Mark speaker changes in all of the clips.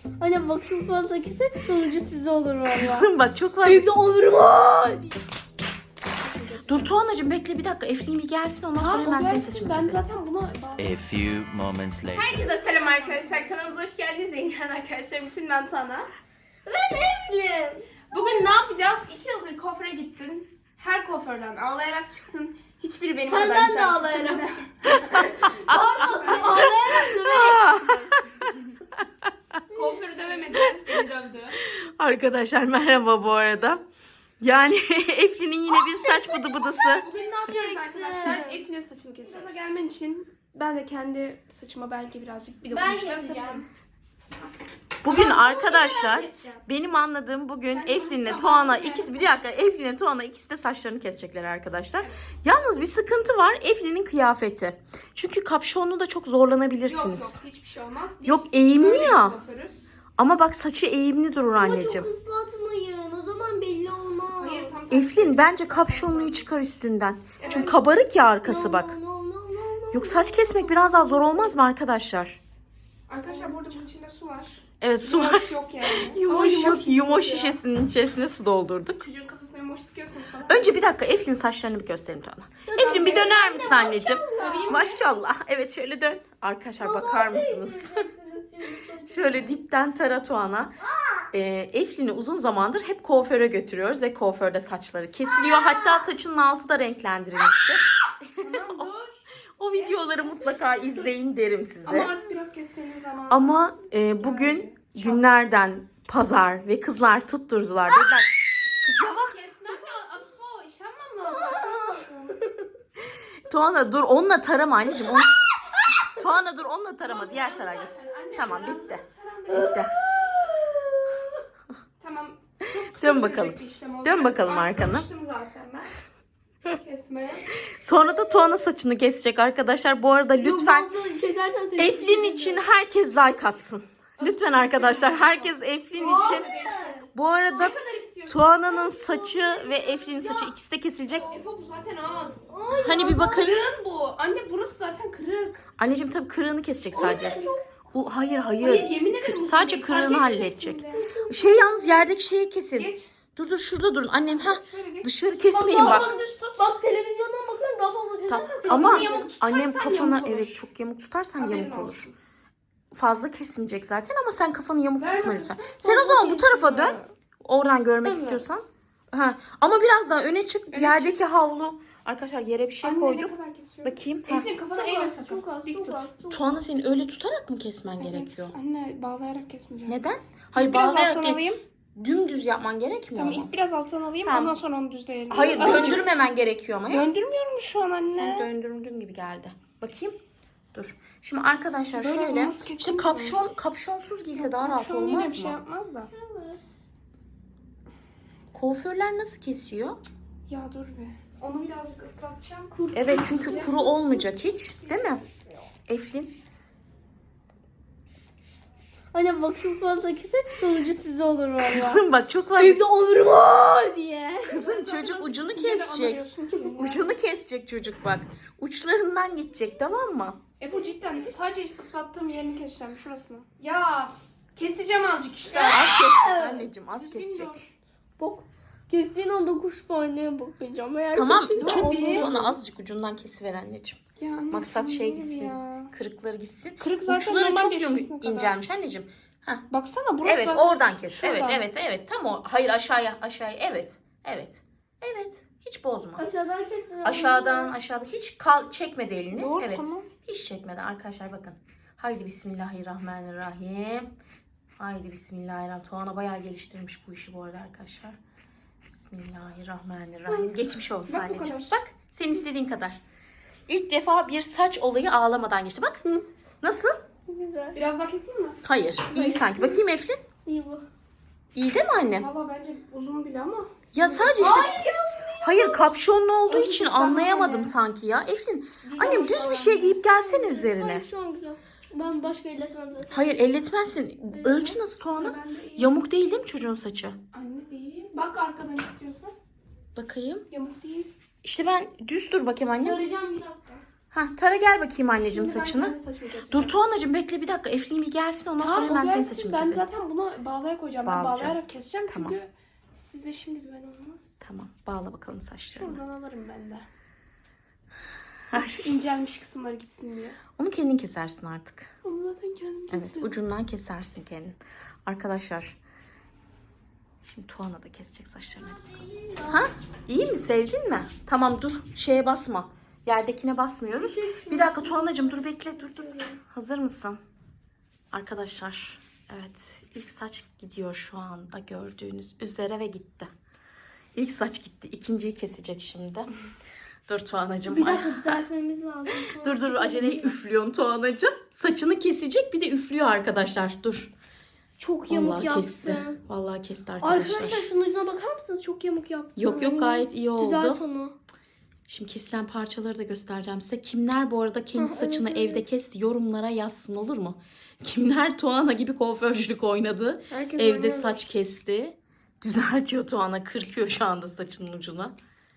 Speaker 1: Anne bak çok fazla keset sonucu size olur valla.
Speaker 2: Kızım bak çok fazla.
Speaker 1: Evde olurum ha.
Speaker 2: Dur Tuğanacığım bekle bir dakika. Eflin bir gelsin ondan sonra hemen senin saçını
Speaker 1: Ben
Speaker 2: keselim.
Speaker 1: zaten buna...
Speaker 3: A few moments later.
Speaker 4: Herkese selam arkadaşlar. Kanalımıza hoş geldiniz. Yengen arkadaşlar. Bütün ben Tana.
Speaker 1: Ben evliyim.
Speaker 4: Bugün ne yapacağız? 2 yıldır kuaföre gittin. Her kuaförden ağlayarak çıktın. Hiçbiri benim kadar
Speaker 1: Senden de
Speaker 4: güzel.
Speaker 1: ağlayarak. Pardon sen ağlayarak döverek.
Speaker 4: Kuaförü dövemedi. Beni dövdü.
Speaker 2: Arkadaşlar merhaba bu arada. Yani Eflin'in yine bir saç bıdı bıdısı.
Speaker 4: Bugün ne yapıyoruz arkadaşlar? Efe'nin saçını kesiyoruz. Gaza gelmen için ben de kendi saçıma belki birazcık bir
Speaker 1: Ben
Speaker 4: dokunuşlar
Speaker 1: keseceğim.
Speaker 4: yapayım.
Speaker 2: Bugün arkadaşlar
Speaker 1: keseceğim.
Speaker 2: benim anladığım bugün Eflin'le
Speaker 4: tamam,
Speaker 2: Tuana
Speaker 4: evet.
Speaker 2: ikisi bir dakika Eflin'le Tuana ikisi de saçlarını kesecekler arkadaşlar. Yalnız bir sıkıntı var Eflin'in kıyafeti. Çünkü kapşonlu da çok zorlanabilirsiniz.
Speaker 4: Yok hiçbir şey olmaz. Biz
Speaker 2: Yok eğimli
Speaker 4: böyle
Speaker 2: ya.
Speaker 4: kuaförüz.
Speaker 2: Ama bak saçı eğimli durur
Speaker 1: Ama çok
Speaker 2: anneciğim.
Speaker 1: ıslatmayın. O zaman belli olmaz.
Speaker 4: Hayır tam tersi.
Speaker 2: Eflin bence kapşonluyu çıkar üstünden. Çünkü kabarık ya arkası bak.
Speaker 1: No.
Speaker 2: Yok saç kesmek biraz daha zor olmaz mı arkadaşlar?
Speaker 4: Arkadaşlar burada bunun içinde su var.
Speaker 2: Evet su var.
Speaker 4: Yumoş yok yani. Ama
Speaker 2: Yumoş yok. Yumoş
Speaker 4: ya.
Speaker 2: şişesinin içerisine su doldurduk.
Speaker 4: Çocuğun kafasına yumoş sıkıyorsunuz falan.
Speaker 2: Önce bir dakika Eflin saçlarını bir göstereyim Tuana. Eflin bir döner misin anneciğim? Maşallah. Evet şöyle dön. Arkadaşlar bakar mısınız? Şöyle dipten tara Tuana. Eflin'i uzun zamandır hep kuaföre götürüyoruz ve kuaförde saçları kesiliyor. Hatta saçının altı da renklendirilmişti.
Speaker 4: Tamam dur.
Speaker 2: O videoları mutlaka izleyin derim size.
Speaker 4: Ama artık biraz kesmenin zamanı.
Speaker 2: Ama bugün günlerden pazar ve kızlar tutturdular. Dediler, kız ya bak
Speaker 4: Kesmem ya. Afo iş yapmam lazım.
Speaker 2: Tuana dur onunla tarama anneciğim. Tuana dur onunla tarama diğer tarağa getir. Tamam bitti. Bitti.
Speaker 4: Tamam. Çok kısa
Speaker 2: Dön
Speaker 4: sürecek
Speaker 2: bakalım.
Speaker 4: bir işlem oldu.
Speaker 2: Dön bakalım
Speaker 4: Artık
Speaker 2: arkana.
Speaker 4: alıştım zaten ben. Kesmeye.
Speaker 2: Sonra da Tuana saçını kesecek arkadaşlar. Bu arada lütfen
Speaker 1: Kesersen seni
Speaker 2: Eflin için herkes like atsın. Lütfen arkadaşlar herkes Eflin için. Bu arada
Speaker 4: Ne kadar istiyorsun?
Speaker 2: Tuana'nın saçı ve Eflin'in saçı ikisi de kesilecek.
Speaker 4: Efo bu zaten az.
Speaker 2: Hani bir bakayım.
Speaker 4: Kırığın bu. Anne burası zaten kırık.
Speaker 2: Anneciğim tabii kırığını kesecek sadece. Hayır
Speaker 4: Hayır
Speaker 2: hayır.
Speaker 4: yemin ederim. bu
Speaker 2: Sadece
Speaker 4: kırık.
Speaker 2: kırığını
Speaker 4: Fark
Speaker 2: halledecek.
Speaker 4: etmeyeceksin bile.
Speaker 2: Şey yalnız yerdeki şeyi kesin.
Speaker 4: Geç.
Speaker 2: Dur şurada durun annem.
Speaker 4: Şöyle geç.
Speaker 2: Dışarı kesmeyin bak.
Speaker 4: Kafanı düz tut.
Speaker 1: Bak televizyondan bakıyorum daha fazla kesersen
Speaker 2: Ama
Speaker 4: Kafanı yamuk tutarsan
Speaker 2: annem kafana
Speaker 4: yamuk olur.
Speaker 2: evet çok yamuk tutarsan
Speaker 4: Haberin
Speaker 2: yamuk olur.
Speaker 4: olsun.
Speaker 2: Fazla kesmeyecek zaten ama sen kafanı yamuk
Speaker 4: Ver
Speaker 2: tutma
Speaker 4: bakayım.
Speaker 2: lütfen. Sen o zaman bu tarafa dön. Oradan görmek
Speaker 1: Tamam.
Speaker 2: istiyorsan. Ha. Ama biraz daha öne çık.
Speaker 4: Öne
Speaker 2: Yerdeki havlu. Arkadaşlar yere bir şey
Speaker 4: Anne ne
Speaker 2: koyduk.
Speaker 4: kadar kesiyorum?
Speaker 2: Bakayım. Ha.
Speaker 4: Efendim kafanı eğme sakın.
Speaker 1: Çok az,
Speaker 4: Dik
Speaker 1: çok
Speaker 4: tut.
Speaker 1: az.
Speaker 2: Tuana senin öyle tutarak mı kesmen
Speaker 4: Evet,
Speaker 2: gerekiyor?
Speaker 4: Anne bağlayarak kesmeyeceğim.
Speaker 2: Neden? Hayır
Speaker 4: Biraz
Speaker 2: bağlayarak
Speaker 4: alttan
Speaker 2: değil.
Speaker 4: alayım.
Speaker 2: Dümdüz yapman gerekmiyor
Speaker 4: Tamam
Speaker 2: mu?
Speaker 4: ilk biraz alttan alayım
Speaker 2: Tamam.
Speaker 4: ondan sonra onu düzleyelim.
Speaker 2: Hayır
Speaker 4: Azıcık.
Speaker 2: döndürmemen gerekiyor ama. Ya.
Speaker 4: Döndürmüyorum şu an anne.
Speaker 2: Sen döndürdüğün gibi geldi. Bakayım. Dur. Şimdi arkadaşlar
Speaker 4: Böyle
Speaker 2: şöyle.
Speaker 4: olmaz
Speaker 2: İşte
Speaker 4: kesinlikle.
Speaker 2: kapşonsuz giyse daha rahat
Speaker 4: Şu an yine
Speaker 2: olmaz
Speaker 4: bir şey
Speaker 2: mı?
Speaker 4: yapmaz da.
Speaker 2: Kuaförler nasıl kesiyor?
Speaker 4: Ya dur be. Onu birazcık ıslatacağım.
Speaker 2: Evet çünkü kuru olmayacak hiç. Değil mi? Eflin.
Speaker 1: Anne bak çok fazla keset sonucu size olur valla.
Speaker 2: Kızım bak çok fazla.
Speaker 1: Evde olurum ha diye.
Speaker 2: Kızım çocuk ucunu
Speaker 4: Sizinle de
Speaker 2: kesecek.
Speaker 4: anlamıyorsun ki ya.
Speaker 2: Ucunu kesecek çocuk bak. Uçlarından gidecek tamam mı?
Speaker 4: Efo cidden sadece ıslattığım yerini keseceğim şurasını. Ya keseceğim azıcık işte.
Speaker 2: Az kesecek anneciğim az
Speaker 4: Düzgün
Speaker 2: kesecek.
Speaker 4: dur.
Speaker 1: Bak. Kestiğin anda kuş paneye bakacağım. Eğer
Speaker 2: Tamam
Speaker 1: kötüyse
Speaker 2: çok
Speaker 1: olmaz.
Speaker 2: onu azıcık ucundan kesiver anneciğim.
Speaker 4: Ya anne,
Speaker 2: Maksat
Speaker 4: sen
Speaker 2: şey
Speaker 4: değil
Speaker 2: gitsin.
Speaker 4: ya.
Speaker 2: Kırıkları gitsin.
Speaker 4: Kırık zaten
Speaker 2: Uçları
Speaker 4: normal
Speaker 2: çok
Speaker 4: bir
Speaker 2: yumuşak
Speaker 4: şurasına kadar.
Speaker 2: incelmiş anneciğim.
Speaker 4: Baksana burası
Speaker 2: Evet
Speaker 4: zaten-
Speaker 2: oradan kes.
Speaker 4: Şuradan.
Speaker 2: Evet. Tam o. Hayır aşağıya. Evet. Evet. Hiç bozma.
Speaker 1: Aşağıdan kesin.
Speaker 2: Aşağıdan hiç çekmedi elini.
Speaker 4: Doğru,
Speaker 2: evet.
Speaker 4: tamam.
Speaker 2: Hiç çekmeden arkadaşlar bakın. Haydi bismillahirrahmanirrahim. Haydi bismillahirrahmanirrahim. Tuana bayağı geliştirmiş bu işi bu arada arkadaşlar. Bismillahirrahmanirrahim. Geçmiş olsun
Speaker 4: Bak bu
Speaker 2: anneciğim.
Speaker 4: kadar.
Speaker 2: Bak sen istediğin kadar. İlk defa bir saç olayı ağlamadan geçti. Bak. Nasıl?
Speaker 1: Güzel.
Speaker 4: Biraz daha keseyim mi?
Speaker 2: Hayır. İyi sanki. Bakayım Eflin.
Speaker 1: İyi bu.
Speaker 2: İyi değil mi annem?
Speaker 4: Valla bence uzun bile ama.
Speaker 2: Ya sadece işte hayır kapşonlu olduğu
Speaker 4: Azıcık
Speaker 2: için
Speaker 4: daha
Speaker 2: anlayamadım
Speaker 4: hani.
Speaker 2: sanki ya. Eflin
Speaker 4: Düz
Speaker 2: annem
Speaker 4: olursa
Speaker 2: düz bir şey giyip gelsene üzerine.
Speaker 1: Hayır şu an güzel. Ben başka elletmem zaten.
Speaker 2: Hayır elletmezsin. Ölçü nasıl Tuana?
Speaker 4: Ben de iyi.
Speaker 2: Yamuk değil mi çocuğun saçı?
Speaker 4: Anne değil. Bak arkadan istiyorsan.
Speaker 2: Bakayım.
Speaker 4: Yamuk değil.
Speaker 2: İşte ben düz dur bakayım annem.
Speaker 1: Göreceğim bir dakika.
Speaker 2: Ha, tara gel bakayım anneciğim
Speaker 4: Şimdi ben
Speaker 2: saçını.
Speaker 4: kendi saçımı keseceğim.
Speaker 2: Dur Tuğanacığım bekle bir dakika. Eflin bir gelsin ondan sonra
Speaker 4: Tamam,
Speaker 2: hemen
Speaker 4: o
Speaker 2: senin
Speaker 4: gelsin.
Speaker 2: saçını
Speaker 4: Ben
Speaker 2: keselim.
Speaker 4: zaten bunu bağlaya koyacağım. Ben
Speaker 2: Bağlayacağım.
Speaker 4: bağlayarak keseceğim
Speaker 2: Tamam.
Speaker 4: çünkü size şimdi güven olmaz.
Speaker 2: Tamam bağla bakalım saçlarını.
Speaker 4: Şuradan alırım ben de.
Speaker 2: Ay.
Speaker 4: Şu incelmiş kısımları gitsin diye.
Speaker 2: Onu kendin kesersin artık.
Speaker 4: Onu zaten kendim
Speaker 2: Evet
Speaker 4: kesiyorum.
Speaker 2: ucundan kesersin kendin. Arkadaşlar. Şimdi Tuana da kesecek saçlarını. Hadi bakalım. Ha? İyi mi? Sevdin mi? Tamam dur. Şeye basma. Yerdekine basmıyoruz. Bir dakika Tuanacığım dur bekle. Dur. Hazır mısın? Arkadaşlar. Evet. İlk saç gidiyor şu anda gördüğünüz üzere ve gitti. İlk saç gitti. İkinciyi kesecek şimdi. Dur Tuanacığım.
Speaker 1: Bir dakika düzeltmemiz lazım.
Speaker 2: Dur acele üflüyorsun Tuanacığım. Saçını kesecek bir de üflüyor arkadaşlar. Dur.
Speaker 1: Çok yamuk
Speaker 2: Vallahi
Speaker 1: yaptı.
Speaker 2: kesti. Vallahi kesti arkadaşlar.
Speaker 1: Arkadaşlar şunun ucuna bakar mısınız? Çok yamuk yaptı.
Speaker 2: Yok gayet iyi oldu.
Speaker 1: Düzelt onu.
Speaker 2: Şimdi kesilen parçaları da göstereceğim size. Kimler bu arada kendi
Speaker 1: Ha,
Speaker 2: saçını
Speaker 1: evet.
Speaker 2: evde kesti yorumlara yazsın olur mu? Kimler Tuana gibi kuaförcülük oynadı.
Speaker 1: Herkes
Speaker 2: Evde
Speaker 1: oynuyor.
Speaker 2: saç kesti. Düzeltiyor Tuana. Kırkıyor şu anda saçının ucunu.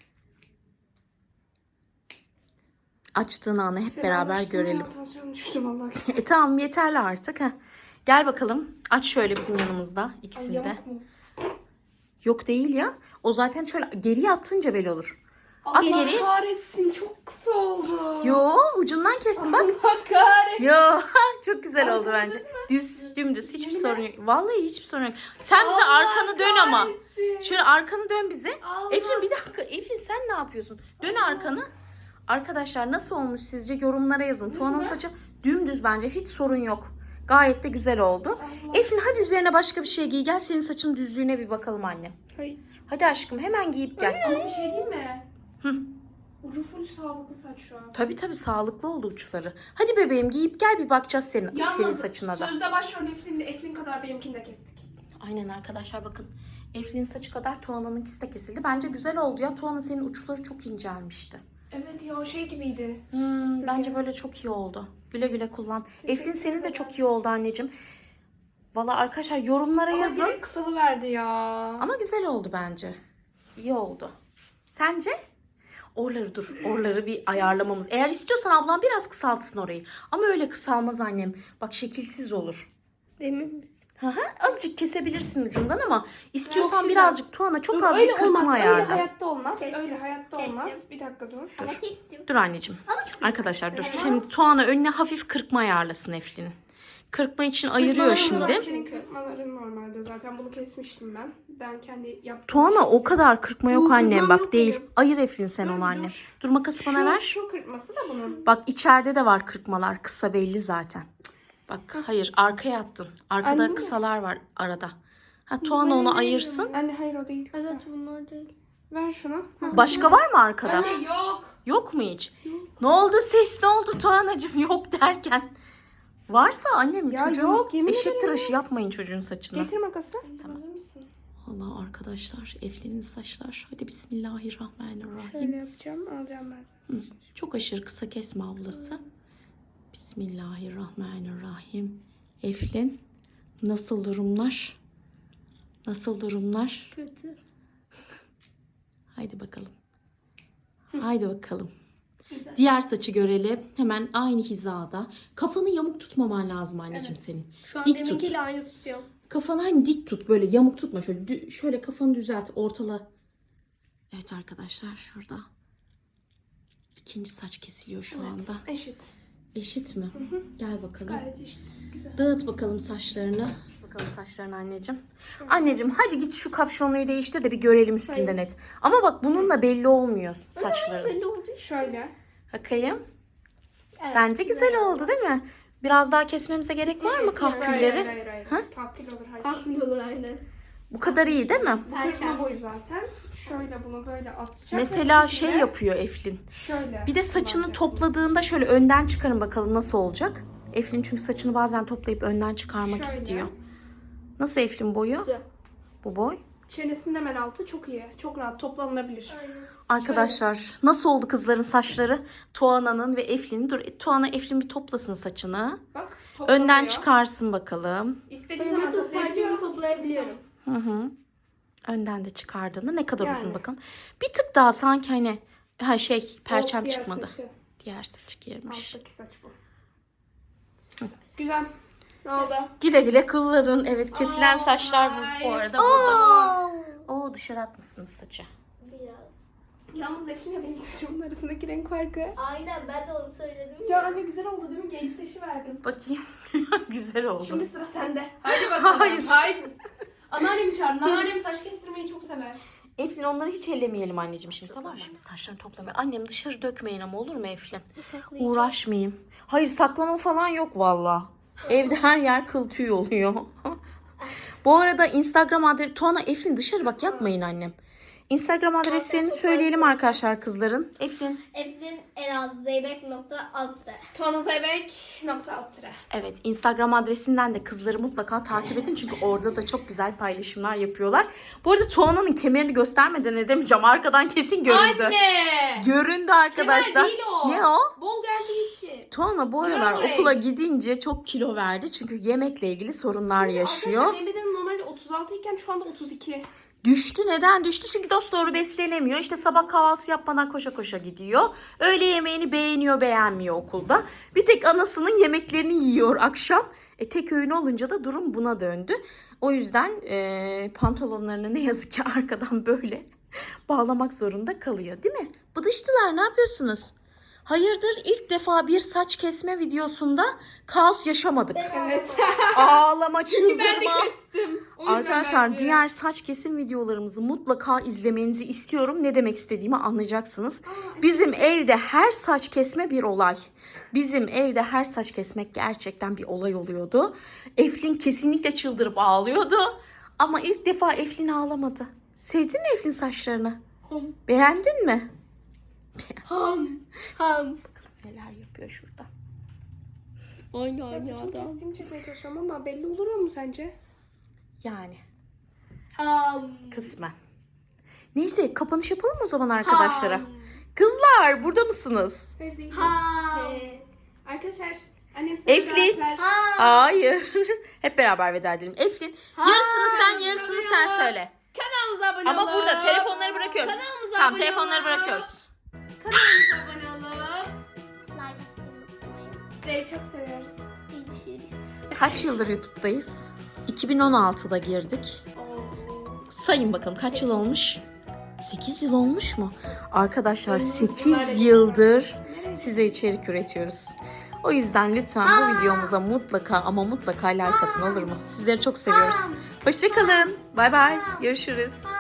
Speaker 2: Açtığın anı hep beraber görelim.
Speaker 4: Tansiyonum düştü vallahi.
Speaker 2: Tamam yeterli artık. Heh. Gel bakalım. Aç şöyle bizim yanımızda
Speaker 4: Ay,
Speaker 2: ikisinde.
Speaker 4: yamuk mu?
Speaker 2: Yok değil ya. O zaten şöyle geriye atınca belli olur. At
Speaker 4: Allah
Speaker 2: geri.
Speaker 4: kahretsin çok kısa oldu.
Speaker 2: Yo ucundan kestim bak.
Speaker 4: Allah kahretsin.
Speaker 2: Yo çok güzel oldu
Speaker 4: Arkası
Speaker 2: bence.
Speaker 4: düz mü?
Speaker 2: Dümdüz hiçbir
Speaker 4: Yemin
Speaker 2: sorun yok. Vallahi hiçbir sorun yok. Sen bize
Speaker 4: Allah
Speaker 2: arkanı dön ama.
Speaker 4: kahretsin.
Speaker 2: Şöyle arkanı dön bize.
Speaker 4: Allah.
Speaker 2: Eflin bir dakika. Eflin sen ne yapıyorsun? Dön arkanı. Arkadaşlar nasıl olmuş sizce yorumlara yazın. Tuana'nın saçı dümdüz bence hiç sorun yok. Gayet de güzel oldu.
Speaker 4: Allah.
Speaker 2: Eflin hadi üzerine başka bir şey giy. Gel senin saçın düzlüğüne bir bakalım annem.
Speaker 4: Hayır.
Speaker 2: Hadi aşkım hemen giyip gel.
Speaker 4: Ama bir şey diyeyim mi?
Speaker 2: Hı.
Speaker 4: Ucu full sağlıklı saç şu an.
Speaker 2: Tabii sağlıklı oldu uçları. Hadi bebeğim giyip gel bir bakacağız senin
Speaker 4: Yalnız
Speaker 2: saçına da.
Speaker 4: sözde başrol Eflin kadar benimkini de kestik.
Speaker 2: Aynen arkadaşlar bakın. Eflin'in saçı kadar Tuana'nınki de kesildi. Bence güzel oldu ya. Tuana senin uçları çok incelmişti.
Speaker 4: Evet ya o şey gibiydi.
Speaker 2: Bence böyle çok iyi oldu. Güle güle kullan. Eflin senin de çok iyi oldu anneciğim. Valla arkadaşlar yorumlara
Speaker 4: Ama
Speaker 2: yazın.
Speaker 4: direkt kısalıverdi ya.
Speaker 2: Ama güzel oldu bence. İyi oldu. Sence? Orları bir ayarlamamız. Eğer istiyorsan ablam biraz kısaltsın orayı. Ama öyle kısalmaz annem. Bak şekilsiz olur.
Speaker 1: Emin misin?
Speaker 2: Azıcık kesebilirsin ucundan ama istiyorsan
Speaker 4: Yok, şimdi-
Speaker 2: birazcık Tuana çok
Speaker 4: Dur,
Speaker 2: az bir
Speaker 4: öyle
Speaker 2: kırpma
Speaker 4: olmaz. Öyle
Speaker 2: ayarla.
Speaker 4: hayatta olmaz.
Speaker 1: Kestim.
Speaker 4: Öyle hayatta
Speaker 1: Kestim.
Speaker 4: olmaz. Bir dakika dur.
Speaker 1: Ama kestim.
Speaker 2: Dur anneciğim.
Speaker 1: Ama çok
Speaker 2: Arkadaşlar dur. Şimdi Tuana önüne hafif kırpma ayarlasın Eflin'in. Kırpma için ayırıyor
Speaker 4: Kırpmaların
Speaker 2: şimdi.
Speaker 4: normal, senin kırpmaların normalde zaten bunu kesmiştim ben. Ben kendi yaptım.
Speaker 2: Tuana o kadar kırpma yok
Speaker 4: Yok,
Speaker 2: annem
Speaker 4: kırpmam
Speaker 2: bak
Speaker 4: yok
Speaker 2: değil.
Speaker 4: benim.
Speaker 2: Ayır Eflin sen
Speaker 4: Dur,
Speaker 2: onu
Speaker 4: dur.
Speaker 2: annem. Dur makası bana ver.
Speaker 4: Şu kırpması da bunun.
Speaker 2: Bak içeride de var kırpmalar. Kısa belli zaten. Bak hayır arkaya attın. Arkada
Speaker 4: Anne mi?
Speaker 2: kısalar var arada. Ha Tuana onu ayırsın.
Speaker 4: Anne hayır o değil. Kısa.
Speaker 1: Evet bunlar değil.
Speaker 4: Ver şunu.
Speaker 2: Başka var mı arkada?
Speaker 4: Anne yok.
Speaker 2: Yok mu hiç? Ne oldu ses ne oldu Tuanacığım yok derken. Varsa annem
Speaker 4: Ya
Speaker 2: çocuğun
Speaker 4: yok, yemin
Speaker 2: eşek
Speaker 4: ederim
Speaker 2: tıraşı yapmayın çocuğun saçına.
Speaker 4: Getir makası. Hazır mısın?
Speaker 2: Allah arkadaşlar Eflin'in saçlar. Hadi bismillahirrahmanirrahim.
Speaker 4: Şöyle yapacağım. Alacağım ben size.
Speaker 2: Çok aşırı kısa kesme ablası. Bismillahirrahmanirrahim. Eflin nasıl durumlar? Nasıl durumlar?
Speaker 1: Kötü.
Speaker 2: Haydi bakalım. Haydi bakalım.
Speaker 1: Güzel.
Speaker 2: Diğer saçı görelim. Hemen aynı hizada. Kafanı yamuk tutmaman lazım anneciğim senin.
Speaker 1: Şu an
Speaker 2: Dik tut.
Speaker 1: deminkiyle aynı tutuyorum.
Speaker 2: Kafanı hani dik tut böyle yamuk tutma şöyle şöyle kafanı düzelt ortala. Evet arkadaşlar şurada. İkinci saç kesiliyor şu anda.
Speaker 4: Eşit.
Speaker 2: Eşit mi? Gel bakalım.
Speaker 4: Gayet eşit. Güzel.
Speaker 2: Dağıt bakalım saçlarını. Bakalım saçlarını anneciğim. Anneciğim hadi git şu kapşonluyu değiştir de bir görelim üstünden et. Ama bak bununla belli olmuyor saçların.
Speaker 1: Belli oldu.
Speaker 4: Şöyle.
Speaker 2: Bakayım.
Speaker 1: Evet,
Speaker 2: Bence güzel oldu değil mi? Biraz daha kesmemize gerek var mı kahkülleri?
Speaker 4: Hayır.
Speaker 2: Ha?
Speaker 4: Kahkül olur hayır.
Speaker 1: Kalkmıyor olur aynen.
Speaker 2: Bu kadar iyi değil mi?
Speaker 4: Bu kırpma boyu zaten. Şöyle bunu böyle atacak.
Speaker 2: Mesela
Speaker 4: ve
Speaker 2: şey
Speaker 4: şekilde
Speaker 2: yapıyor Eflin.
Speaker 4: Şöyle.
Speaker 2: Bir de saçını
Speaker 4: kullanacak.
Speaker 2: topladığında şöyle önden çıkarın bakalım nasıl olacak. Eflin çünkü saçını bazen toplayıp önden çıkarmak
Speaker 4: Şöyle.
Speaker 2: istiyor. Nasıl Eflin boyu?
Speaker 1: Güzel.
Speaker 2: Bu boy.
Speaker 4: Çenesinin hemen altı çok iyi. Çok rahat toplanılabilir.
Speaker 1: Aynen.
Speaker 2: Arkadaşlar nasıl oldu kızların saçları? Tuana'nın ve Eflin'in. Dur Tuana Eflin bir toplasın saçını.
Speaker 4: Bak toplanıyor.
Speaker 2: Önden çıkarsın bakalım.
Speaker 4: İstediğin
Speaker 1: Ben
Speaker 4: zaman
Speaker 1: nasıl
Speaker 4: toplayabiliyorum.
Speaker 1: parçamı toplayabiliyorum.
Speaker 2: Hı hı. Önden de çıkardığında ne kadar
Speaker 4: Yani.
Speaker 2: uzun bakalım. Bir tık daha sanki hani şey perçem
Speaker 4: Diğer
Speaker 2: çıkmadı.
Speaker 4: saçı.
Speaker 2: Diğer saçı girmiş.
Speaker 4: Alttaki saç bu. Güzel. Ne oldu?
Speaker 2: Güle güle kullanın. Evet, kesilen saçlar bu arada burada. Oo, dışarı atmışsınız saçı.
Speaker 1: Biraz.
Speaker 4: Yalnız Eflin'le benim saçımın arasındaki renk farkı.
Speaker 1: Aynen ben de onu söyledim
Speaker 4: Ya anne güzel oldu değil mi? Gençleşiverdim.
Speaker 2: Bakayım. Güzel oldu.
Speaker 4: Şimdi sıra sende. Hadi bakalım.
Speaker 2: Hayır.
Speaker 4: Haydi. Anneannemi çağırın. Anneannem saç kestirmeyi çok sever.
Speaker 2: Eflin, onları hiç ellemeyelim anneciğim şimdi, tamam mı? Şimdi saçlarını toplamaya. Annem, dışarı dökmeyin ama, olur mu Eflin? Uğraşmayayım. Hayır, saklama falan yok valla. Evde her yer kıl tüy oluyor. Bu arada Instagram adresi... Tuana, Eflin dışarı bak, yapmayın annem. Instagram adreslerini söyleyelim arkadaşlar kızların. Eflin.
Speaker 1: Eflin elazzeybek.altre.
Speaker 4: Tuanazeybek.altre.
Speaker 2: Evet, Instagram adresinden de kızları mutlaka takip edin. Çünkü orada da çok güzel paylaşımlar yapıyorlar. Bu arada Tuana'nın kemerini göstermeden edemeyeceğim. Arkadan kesin göründü.
Speaker 4: Anne!
Speaker 2: Göründü arkadaşlar.
Speaker 4: Kemer değil o.
Speaker 2: Ne o?
Speaker 4: Bol geldiği için.
Speaker 2: Tuana bu aralar
Speaker 4: Gramage.
Speaker 2: okula gidince çok kilo verdi. Çünkü yemekle ilgili sorunlar yaşıyor.
Speaker 4: Arkadaşlar benim bedenim normalde 36 iken şu anda 32.
Speaker 2: Düştü. Neden düştü? Çünkü dosdoğru beslenemiyor. İşte sabah kahvaltısı yapmadan koşa koşa gidiyor. Öğle yemeğini beğeniyor, beğenmiyor okulda. Bir tek anasının yemeklerini yiyor akşam. Tek öğün olunca da durum buna döndü. O yüzden pantolonlarını ne yazık ki arkadan böyle bağlamak zorunda kalıyor, değil mi? Bıdıştılar, ne yapıyorsunuz? Hayırdır, ilk defa bir saç kesme videosunda kaos yaşamadık.
Speaker 4: Evet.
Speaker 2: Ağlama,
Speaker 4: Çünkü ben de
Speaker 2: çıldırma.
Speaker 4: kestim. O yüzden
Speaker 2: Arkadaşlar
Speaker 4: bence.
Speaker 2: diğer saç kesim videolarımızı mutlaka izlemenizi istiyorum. Ne demek istediğimi anlayacaksınız. Bizim evde her saç kesme bir olay. Bizim evde her saç kesmek gerçekten bir olay oluyordu. Eflin kesinlikle çıldırıp ağlıyordu. Ama ilk defa Eflin ağlamadı. Sevdin mi Eflin saçlarını? Beğendin mi?
Speaker 4: Ham.
Speaker 2: Neler yapıyor şurada.
Speaker 1: Aynı
Speaker 4: Saçımı kestiğimi çekmeye çalışıyorum ama belli olur mu sence?
Speaker 2: Yani
Speaker 4: Ham.
Speaker 2: kısmen. Neyse, kapanış yapalım o zaman arkadaşlara. Kızlar, burada mısınız?
Speaker 4: Hayır değil.
Speaker 1: Ham.
Speaker 4: Arkadaşlar annem sana
Speaker 2: Eflin.
Speaker 4: zaten-
Speaker 2: Hayır. Hep beraber veda edelim. Eflin, yarısını sen, yarısını sen söyle.
Speaker 4: Kanalımıza abone
Speaker 2: Ama
Speaker 4: olun.
Speaker 2: burada telefonları bırakıyoruz.
Speaker 4: Kanalımıza
Speaker 2: Tamam,
Speaker 4: abone
Speaker 2: telefonları
Speaker 4: olun.
Speaker 2: bırakıyoruz.
Speaker 4: Kanalımıza abone olup
Speaker 1: Like atmayı unutmayın.
Speaker 4: sizleri çok seviyoruz.
Speaker 1: Görüşürüz.
Speaker 2: Kaç yıldır YouTube'dayız? 2016'da girdik. Sayın bakalım kaç yıl olmuş? 8 yıl olmuş mu? Arkadaşlar 8 yıldır size içerik üretiyoruz. O yüzden lütfen bu videomuza mutlaka ama mutlaka like atın, olur mu? Sizleri çok seviyoruz. Hoşça kalın. Bay bay. Görüşürüz.